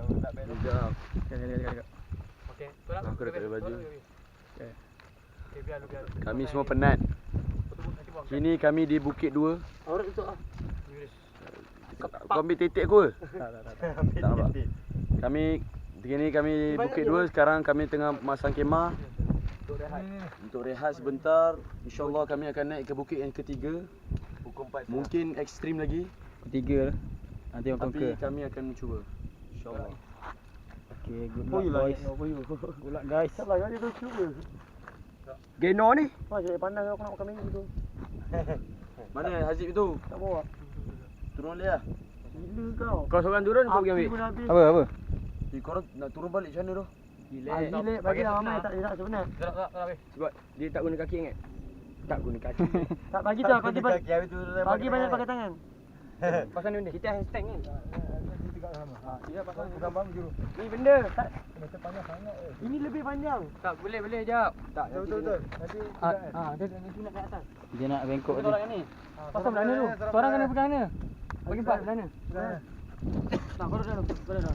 Sekejap. Okey, Aku dah tak ada baju. Okey, biar. Kami semua penat. Kini kami di Bukit 2. Aurat tutup ah. Kau ambil titik aku ke? Tak. Tak nampak. Kami di Bukit 2. Sekarang kami tengah masang kemah untuk rehat sebentar. InsyaAllah kami akan naik ke bukit yang ketiga. Mungkin ekstrim lagi, Ketiga lah. Nanti orang tapi conquer. kami akan mencuba. InsyaAllah. Okay, good luck boys. Good luck guys. Salah kan dia tu cuba. Geno ni. Wah, jadi pandang aku nak makan minggu tu. Mana Hazib tu? Tak bawa. Turun balik lah. Gila kau. Kau seorang turun kau pergi Api ambil. pun habis. Apa? Korang nak turun balik macam mana tu? Bilik bagi dah ramai tak dia tak sebenarnya. Tak. Sebab dia tak guna kaki ingat. Tak guna kaki. Tak bagi tu pagi banyak pakai tangan. Pasal ni benda. Kita hashtag ni. Ya pasal gambar juru. Ni benda. Tak. Macam panjang sangat Ini lebih panjang. Tak boleh jap. Tak. Betul. Nanti dia nanti nak ke atas. Dia nak bengkok Kita tu. orang ni. Pasal mana tu? Seorang kena pegang mana? Bagi empat mana? Tak kau dah.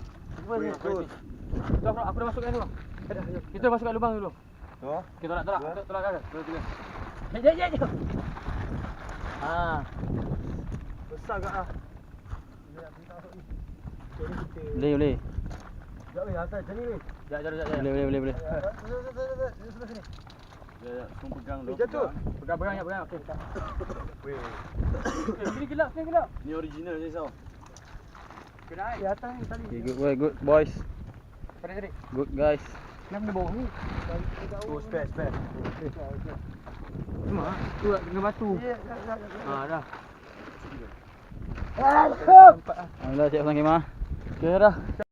Aku dah masukkan dulu. Kita masukkan lubang dulu. Oh? Okey, tolak kan? Dua, tiga. Jap. Besar ke ah? Boleh. Jap weh, atas macam ni weh. Jap. Boleh. Sebelah sini. Ya, semua pegang tu. Jatuh. Pegang. Okey. Weh. Sini gelap. Ni original je Sao. Kena air. Di atas ni tali. Okay, good boys. Tarik. Good guys. Kenapa dia bawah ni? Oh, spare. Cuma tu dengan batu. Ya. Dah. Alhamdulillah siap pasang kemah. Okey dah.